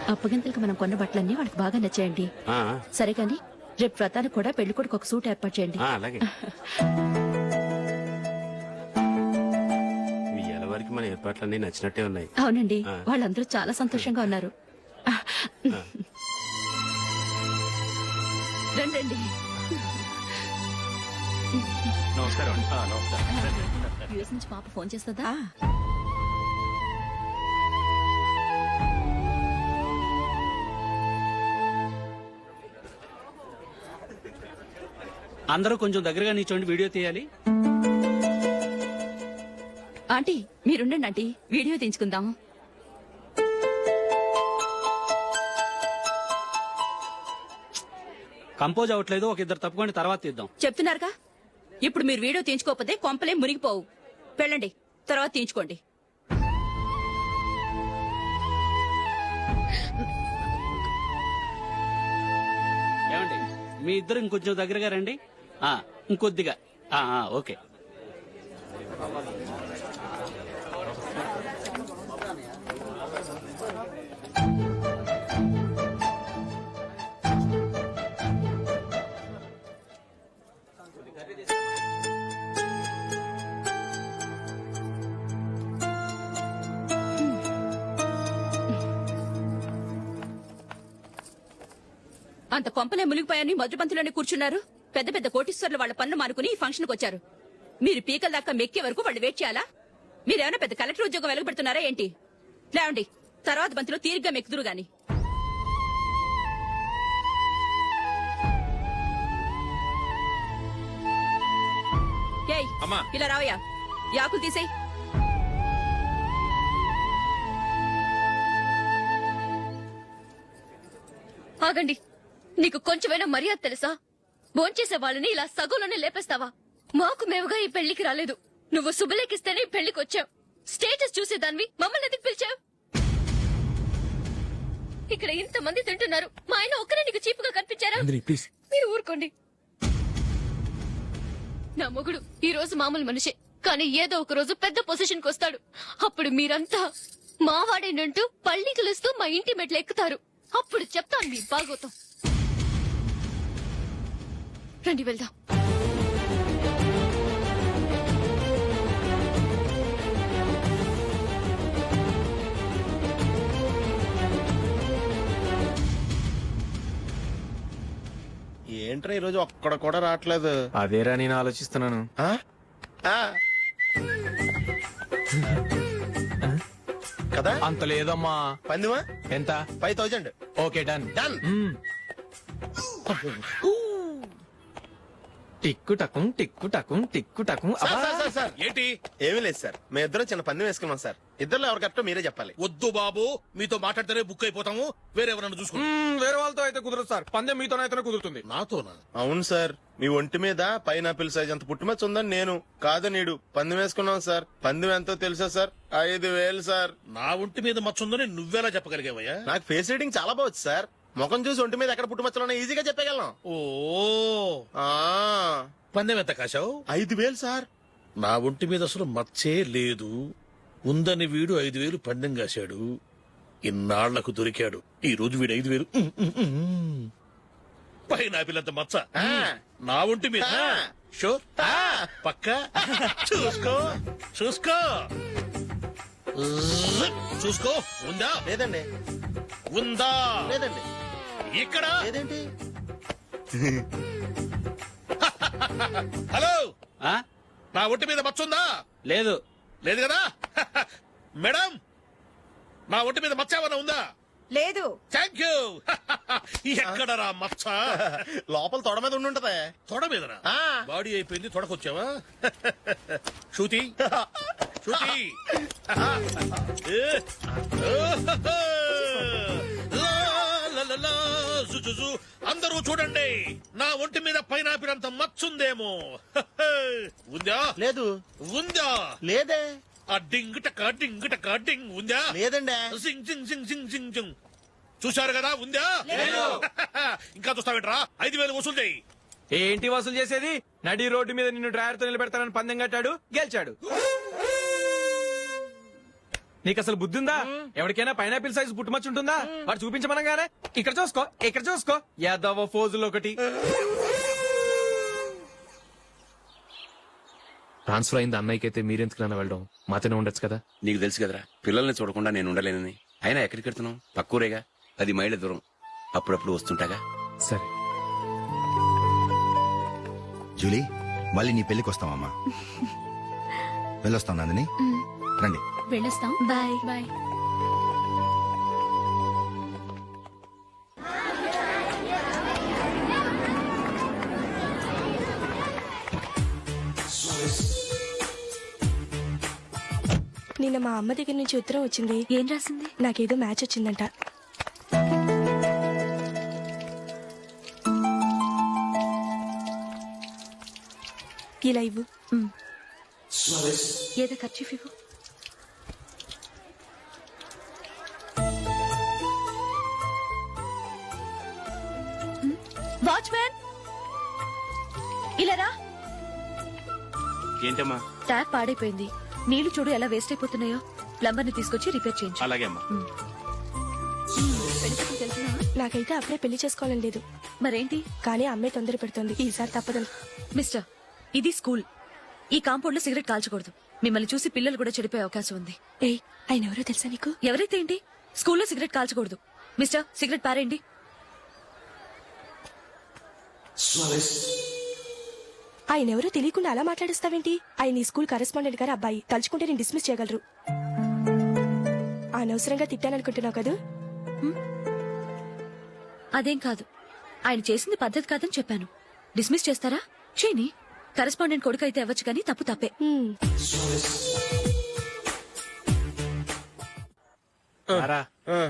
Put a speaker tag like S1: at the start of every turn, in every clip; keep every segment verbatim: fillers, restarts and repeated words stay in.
S1: అప్పగింతలకు మనం కొన్న బట్టలన్నీ వాళ్ళకి బాగా నచ్చాయండి. సరే కానీ రేపు వ్రతానికి కూడా పెళ్లి కొడుకు ఒక సూట్ ఏర్పాటు చేయండి.
S2: అలాగే వరకు మన ఏర్పాట్లన్నీ నచ్చినట్టే ఉన్నాయి.
S1: అవునండి, వాళ్ళందరూ చాలా సంతోషంగా ఉన్నారు. రండి.
S2: నమస్కారం.
S1: యూఎస్ నుంచి పాప ఫోన్ చేస్తుందా?
S3: అందరూ కొంచెం దగ్గరగా నిల్చోండి, వీడియో తీయాలి.
S1: ఆంటీ మీరుండండి ఆంటీ, వీడియో తీయించుకుందాం.
S3: కంపోజ్ అవ్వట్లేదు, ఒక ఇద్దరు తప్పుకొని తర్వాత తీద్దాం.
S1: చెప్తున్నారుగా, ఇప్పుడు మీరు వీడియో తీయించుకోకపోతే కొంపలే మునిగిపోవు. వెళ్ళండి, తర్వాత తీయించుకోండి.
S3: ఏమండి, మీ ఇద్దరు ఇంకొంచెం దగ్గరగా రండి. ఆ ఇంకొద్దిగా. ఆ ఓకే.
S1: అంత కొంపలే మునిగిపోయాని మధురపంతులోనే కూర్చున్నారు. పెద్ద పెద్ద కోటీశ్వర్లు వాళ్ళ పనులు మానుకుని ఈ ఫంక్షన్ కు వచ్చారు. మీరు పీకల దాకా మెక్కే వరకు వాళ్ళు వెయిట్ చేయాలా? మీరేమైనా పెద్ద కలెక్టర్ ఉద్యోగం వెలగబెడుతున్నారా ఏంటి? లేవండి, తర్వాత బంతిలో తీరిగ్గా మెక్కుదురు గాని. ఏయ్ ఇలా రావయ్యా, యాకులు తీసేయ్.
S4: ఆగండి, నీకు కొంచెమైనా మర్యాద తెలుసా? భోంచేసే వాళ్ళని ఇలా సగంలోనే లేపేస్తావా? మాకు మేముగా ఈ పెళ్లికి రాలేదు. నువ్వు శుభలేఖిస్తేనే ఈ పెళ్లికి వచ్చావు. స్టేటస్ చూసేదానివి మమ్మల్ని ఎందుకు పిలిచావు? ఇక్కడ ఇంతమంది తింటున్నారు, మా ఆయన ఒక్కరే నీకు చీపుగా కనిపించారా? మీరు ఊరుకోండి. నా మొగుడు ఈ రోజు మామూలు మనిషే, కానీ ఏదో ఒక రోజు పెద్ద పొజిషన్ కు వస్తాడు. అప్పుడు మీరంతా మావాడేనంటూ పళ్ళి కలుస్తూ మా ఇంటి మెట్లు ఎక్కుతారు. అప్పుడు చెప్తాను మీ బాగోతాం. రండి వెళ్దాం.
S5: ఏంట్రా ఈరోజు ఒక్కడ కూడా రావట్లేదు?
S6: అదేరా నేను ఆలోచిస్తున్నాను.
S5: కదా
S6: అంత లేదమ్మా.
S5: పందిమా
S6: ఎంత?
S5: Five thousand.
S6: Okay done
S5: done.
S6: టిక్కు టకుం టిక్కు టకుం టిక్కు టకుం.
S5: ఏంటి? ఏమీ లేదు సార్, మేము ఇద్దరం చిన్న పందెం వేసుకున్నాం సార్. ఇద్దరు ఎవరు కరెక్టో మీరే చెప్పాలి.
S7: వద్దు బాబు, మీతో మాట్లాడితేనే బుక్ అయిపోతాము. వేరే ఎవరన్నా చూసుకుంటాం.
S6: వేరే వాళ్ళతో అయితే కుదరదు సార్, పందెం మీతోనైతేనే కుదురుతుంది.
S7: నాతోనా?
S5: అవును సార్, మీ ఒంటి మీద పైనాపిల్ సైజ్ అంత పుట్టుమచ్చ ఉందని నేను కాదు నీడు పందెం వేసుకున్నాం సార్. పందెం ఎంతో తెలుసా సార్? ఐదు వేలు సార్.
S7: నా ఒంటి మీద మచ్చ ఉందని నువ్వెలా చెప్పగలిగావయ్యా?
S5: నాకు ఫేస్ రీడింగ్ చాలా బాగుంది సార్. ముఖం చూసి ఒంటి మీద ఎక్కడ పుట్టుమచ్చలో ఈజీగా చెప్పగలను.
S7: ఓ
S5: ఆ
S7: పందెం ఎంత కాశావు?
S5: ఐదు వేలు సార్.
S7: నా ఒంటి మీద అసలు మచ్చే లేదు. ఉందని వీడు ఐదు వేలు పందెం కాశాడు. ఇన్నాళ్లకు దొరికాడు. ఈ రోజు వీడు ఐదు వేలు పైన పిల్లంత మచ్చ నా ఒంటి మీద. షూర్ పక్క చూసుకో చూసుకో చూసుకో. ఉందా?
S5: లేదండి.
S7: ఉందా?
S5: లేదండి.
S7: ఇక్కడ
S5: లేదేంటి?
S7: హలో,
S3: ఆ
S7: నా ఒంటి మీద మచ్చ ఉందా?
S3: లేదు.
S7: లేదు కదా? మేడం, నా ఒంటి మీద మచ్చ ఏమన్నా ఉందా?
S8: లేదు.
S7: Thank you. ఎక్కడరా మచ్చ?
S5: లోపల తొడ మీద ఉండుంటదే.
S7: తొడ మీదరా?
S5: ఆ.
S7: బాడీ అయిపోయింది, తొడకొచ్చావా? శృతి శృతి ఏ. లా, లా, లా, లా, జు, జు, జు. అందరూ చూడండి, నా ఒంటి మీద పైనాపిల్ అంత మచ్చుందేమో. ఉందా?
S5: లేదు.
S7: ఉందా?
S5: లేదే.
S7: ఆ డింగ్ టక డింగ్ టక డింగ్ ఉందా?
S5: లేదండి.
S7: సింగ్ సింగ్ సింగ్ సింగ్ సింగ్ సింగ్. చూశారు కదా? ఉందా? ఇంకా చూస్తావేంట్రా? ఐదు వేలు వసూలు చేయి.
S6: ఏంటి వసూలు చేసేది? నడి రోడ్డు మీద నిన్ను డ్రైవర్ తో నిలబెడతానని పందెం కట్టాడు, గెలిచాడు. నీకు అసలు బుద్ధి ఉందా? ఎవరికైనా పైనాపిల్ సైజ్ పుట్టుమచ్చ ఉంటుందా? వాడు చూపించమనగానే ఇక్కడ చూసుకో ఇక్కడ చూసుకో యాదవ ఫోజులు ఒకటి.
S8: ట్రాన్స్ఫర్ అయింది అన్నయ్యకి అయితే మీరెందుకు నాన్న వెళ్ళడం? మాతోనే ఉండొచ్చు కదా.
S9: నీకు తెలుసు కదరా పిల్లల్ని చూడకుండా నేను ఉండలేనని. అయినా ఎక్కడికి వెళ్తున్నావు? పక్కూరేగా, పది మైళ్ళ దూరం. అప్పుడప్పుడు వస్తుంటాగా.
S8: సరే.
S10: జూలీ, మళ్ళీ నీ పెళ్లికి వస్తామమ్మా. వెళ్ళొస్తాం నందిని, రండి.
S1: వెళ్ళొస్తాం.
S4: Bye
S1: bye.
S11: నిన్న మా అమ్మ దగ్గర నుంచి ఉత్తరం వచ్చింది.
S4: ఏం రాసింది?
S11: నాకేదో మ్యాచ్ వచ్చిందంట. ఇలా ఇవ్వు.
S4: ఏదో ఖర్చు ఇవ్వు. వాచ్మ్యాన్ ఇలా రా.
S2: ఏంటమ్మా?
S4: ట్యాప్ పాడైపోయింది. నీళ్లు చూడు ఎలా వేస్ట్ అయిపోతున్నాయో. ప్లంబర్ ని తీసుకొచ్చి రిపేర్ చేయించు.
S2: అలాగే అమ్మా.
S11: నాకైతే అప్పుడే పెళ్లి చేసుకోవాలని లేదు.
S4: మరేంటి?
S11: కానీ అమ్మే తొందర పెడుతుంది. ఈసారి తప్పదు.
S4: మిస్టర్, ఇది స్కూల్. ఈ కాంపౌండ్ లో సిగరెట్ కాల్చకూడదు. మిమ్మల్ని చూసి పిల్లలు కూడా చెడిపోయే అవకాశం ఉంది.
S11: ఏయ్, ఆయన ఎవరో తెలుసా నీకు?
S4: ఎవరైతే ఏంటి? స్కూల్లో సిగరెట్ కాల్చకూడదు. మిస్టర్, సిగరెట్ పారేయండి.
S11: ఆయన ఎవరో తెలియకుండా అలా మాట్లాడిస్తావేంటి? ఆయన ఈ స్కూల్ కరెస్పాండెంట్ గారు అబ్బాయి. తలుచుకుంటే నేను డిస్మిస్ చేయగలరు. అనవసరంగా తిట్టాననుకుంటున్నావు కదూ?
S4: అదేం కాదు. ఆయన చేసింది పద్ధతి కాదని చెప్పాను. డిస్మిస్ చేస్తారా? చేయని. కరెస్పాండెంట్ కొడుకు అయితే అవ్వచ్చు కానీ తప్పు తప్పే.
S11: హ్మ్.
S6: రారా.
S5: ఆ.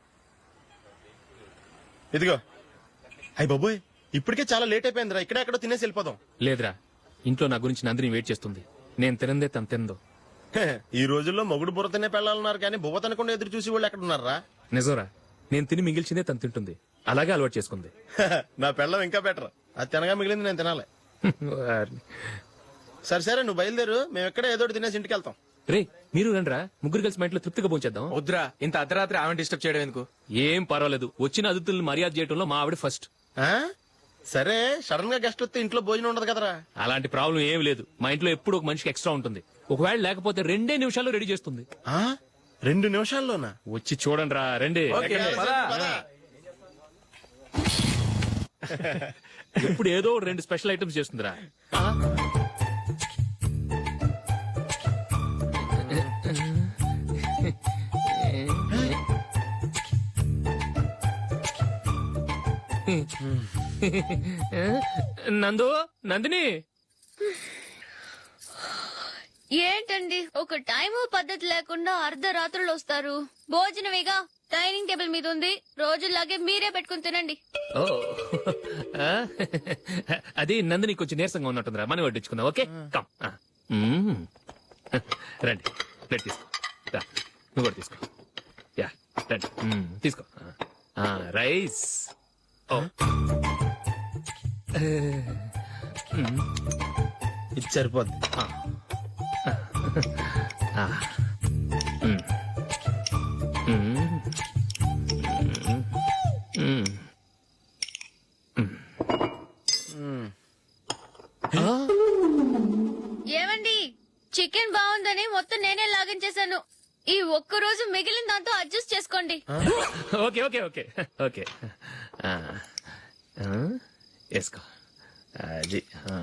S5: ఇదిగో. అయ్య బాబోయ్, ఇప్పటికే చాలా లేట్ అయిపోయిందిరా. ఇక్కడే ఎక్కడో తినేసి వెళ్ళిపోదాం.
S8: లేదురా, ఇంట్లో నా గురించి నందిని వెయిట్ చేస్తుంది. నేను తినందే తను తిందో.
S5: హే, ఈ రోజుల్లో మొగుడు బుర్ర తినే పెళ్ళాలన్నారు కానీ బువ్వ తినకుండా ఎదురు చూసి వాళ్ళు ఎక్కడ ఉన్నారా?
S8: నిజంరా, నేను తిని మిగిల్చిందే తను తింటుంది. అలాగే అలవాటు చేసుకుంది.
S5: నా పెళ్ళం ఇంకా బెటర్. అది తినగా మిగిలింది నేను తినాలి. సరే సరే, నువ్వు బయలుదేరు. మేము ఎక్కడ ఏదో ఒకటి తినేసి ఇంటికి వెళ్తాం.
S8: రే, మీరు రండిరా, ముగ్గురు కలిసి మా ఇంట్లో తృప్తిగా పోంచేద్దాం.
S6: వద్దురా, ఇంత అర్ధరాత్రి ఆమె డిస్టర్బ్ చేయడం ఎందుకు?
S8: ఏం పర్వాలేదు, వచ్చిన అతిథులను మర్యాద చేయడంలో మా ఆవిడ ఫస్ట్.
S5: ఆ? సరే, సడన్ గా గెస్ట్ వస్తే ఇంట్లో భోజనం ఉండదు కదరా.
S8: అలాంటి ప్రాబ్లం ఏం లేదు. మా ఇంట్లో ఎప్పుడు ఒక మనిషికి ఎక్స్ట్రా ఉంటుంది. ఒకవేళ లేకపోతే రెండే నిమిషాల్లో రెడీ చేస్తుంది.
S5: ఆ? రెండు నిమిషాల్లోనా?
S8: వచ్చి చూడండి రా, రండి.
S6: ఓకే, పద.
S8: ఎప్పుడు ఏదో ఒక రెండు స్పెషల్ ఐటమ్స్ చేస్తుందిరా. నందు, నందిని.
S4: ఏంటండి ఒక టైము పద్ధతి లేకుండా అర్ధరాత్రులు వస్తారు? భోజనమేగా డైనింగ్ టేబుల్ మీద ఉంది. రోజుల్లాగే మీరే పెట్టుకుని తినండి.
S8: ఓ, ఆ? అది నందిని కొంచెం నీరసంగా ఉన్నట్టుందిరా. మనం వడ్డించుకుందాం. Okay, come. ఆ. మ్మ్. రండి, ప్లేట్ తీసుకో. రా, నువ్వు కూడా తీసుకో. యా, రండి. మ్మ్, తీసుకో. ఆ, రైస్. ఓ. మ్మ్.
S5: ఇది సరిపోద్ది.
S8: ఆ. ఆ. మ్మ్. మ్మ్. మ్మ్. మ్మ్. ఆ?
S4: ఏమండి, చికెన్ బాగుందని మొత్తం నేనే లాగించేశాను. ఈ ఒక్క రోజు మిగిలిన దాంతో అడ్జస్ట్ చేసుకోండి.
S8: Okay okay okay okay. ఆ. ఆ? వేసుకో. అది ఆ.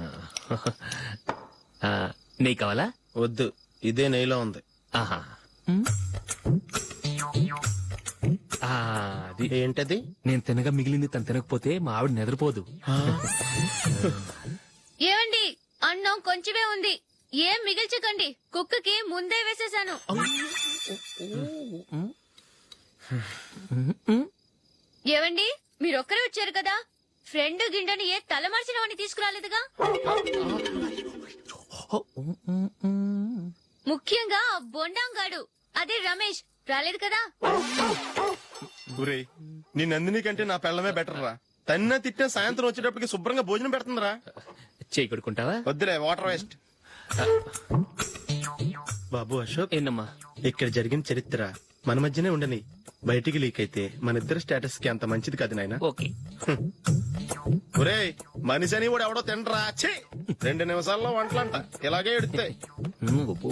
S8: ఆ, నెయ్యి కావాలా?
S5: వద్దు, ఇదే నెయ్యిలో ఉంది.
S8: ఆహా. మ్మ్. ఆ, అది
S5: ఏంటది?
S8: నేను తినగా మిగిలింది తను తినకపోతే మా ఆవిడ నిద్రపోదు.
S4: ఏమండి, అన్నం కొంచెమే ఉంది. ఏం మిగిల్చకండి. కుక్కకి ముందే వేసేశాను. ఏవండి, మీరొక్కరే వచ్చారు కదా. ఫ్రెండ్ గిండెని ఏ తలమార్చిన వాడిని తీసుకురాలేదుగా. ముఖ్యంగా ఆ బొండాంగాడు, అదే రమేష్, రాలేదు కదా.
S5: ఊరే, నీ నందిని కంటే నా పెళ్ళమే బెటర్ రా. తన్న తిట్టిన సాయంత్రం వచ్చేటప్పటికి శుభ్రంగా భోజనం పెడుతుందిరా.
S8: చేయి కొడుకుంటావా?
S5: వద్దులే, వాటర్ వేస్ట్. బాబు అశోక్,
S8: ఏంటమ్మా
S5: ఇక్కడ జరిగిన చరిత్ర మన మధ్యనే ఉండని, బయటికి లీక్ అయితే మన ఇద్దరు స్టేటస్ కి అంత మంచిది కాదు నాయన.
S8: ఓకే
S5: ఒరేయ్, మనిషి అని కూడా ఎవడో తినరా. ఛీ! రెండు నిమిషాల్లో వంటలంట ఇలాగే ఎడుతాయి.
S8: ఉమ్, అబ్బో.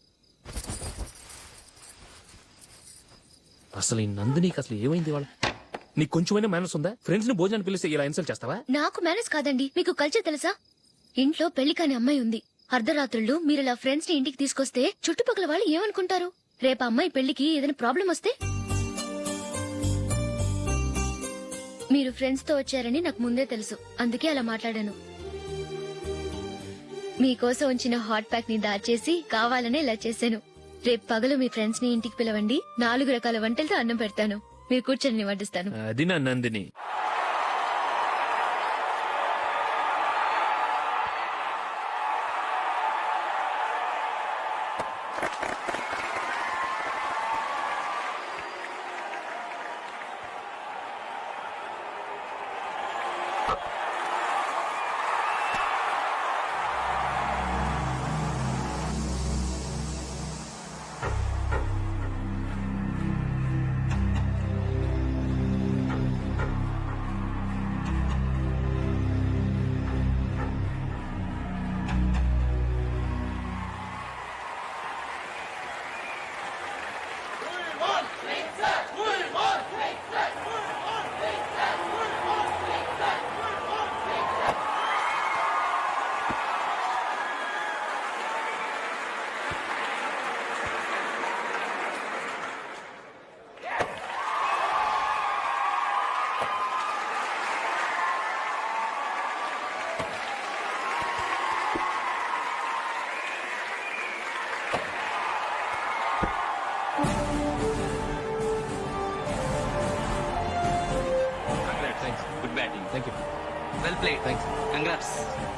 S8: అసలు ఈ నందినికి అసలు ఏమైంది వాళ్ళ? నీకు కొంచెమైనా మేనస్ ఉందా? ఫ్రెండ్స్ ని భోజనానికి పిలిస్తే ఇలా ఇన్సల్ట్ చేస్తావా?
S4: నాకు మేనేజ్ కాదండి, మీకు కల్చర్ తెలుసా? ఇంట్లో పెళ్లి కాని అమ్మాయి ఉంది. అర్ధరాత్రుళ్ళు మీరు ఇలా ఫ్రెండ్స్ ని ఇంటికి తీసుకొస్తే చుట్టుపక్కల వాళ్ళు ఏమనుకుంటారు? రేపు అమ్మాయి పెళ్లికి ఏదైనా ప్రాబ్లం వస్తే? మీరు ఫ్రెండ్స్ తో వచ్చారని నాకు ముందే తెలుసు, అందుకే అలా మాట్లాడాను. మీకోసం ఉంచిన హాట్ ప్యాక్ ని దాచేసి కావాలనే ఇలా చేశాను. రేపు పగలు మీ ఫ్రెండ్స్ ని ఇంటికి పిలవండి, నాలుగు రకాల వంటలతో అన్నం పెడతాను. మీరు కూర్చొని వడ్డిస్తాను.
S8: అది నా Nandini.
S3: Good batting.
S8: Thank you.
S3: Well played.
S8: Thanks.
S3: Congrats.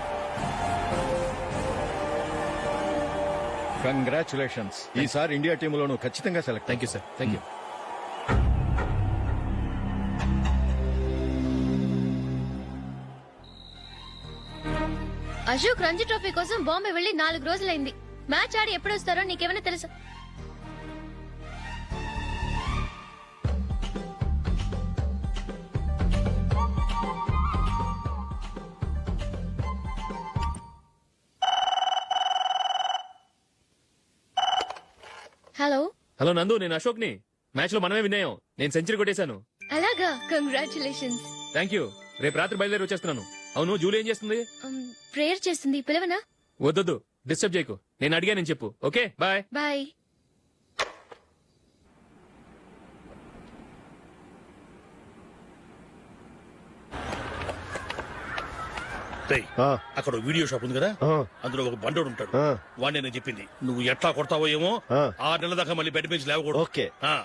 S12: Congratulations. ఈసారి ఇండియా టీంలోను ఖచ్చితంగా select.
S8: Thank you sir. Thank you.
S4: Ashok Ranji trophy కోసం బాంబే వెళ్లి నాలుగు రోజులైంది. మ్యాచ్ ఆడి ఎప్పుడు వస్తారో నీకేమైనా తెలుసా? హలో.
S8: హలో నందు, నేను అశోక్ ని. మ్యాచ్ లో మనమే విన్ అయ్యాం. నేను సెంచరీ కొట్టేశాను.
S4: అలాగా, కంగ్రాచులేషన్స్.
S8: Thank you. రేపు రాత్రి బయలుదేరి వచ్చేస్తున్నాను. అవును, జూలీ ఏం చేస్తుంది?
S4: ప్రేయర్ చేస్తుంది, పిలవనా?
S8: వద్దొద్దు, డిస్టర్బ్ చేయకు. నేను అడిగానని చెప్పు. Okay, bye.
S4: బాయ్.
S7: రేయ్, అక్కడ వీడియో షాప్ ఉంది కదా, అందులో ఒక బండోడు ఉంటాడు. వాడిని నేను చెప్పింది నువ్వు ఎట్లా కొడతావో ఏమో. ఆరు నెలల దాకా మళ్ళీ బెడ్ మీద లేవకూడదు.
S5: ఓకే.
S7: ఆ.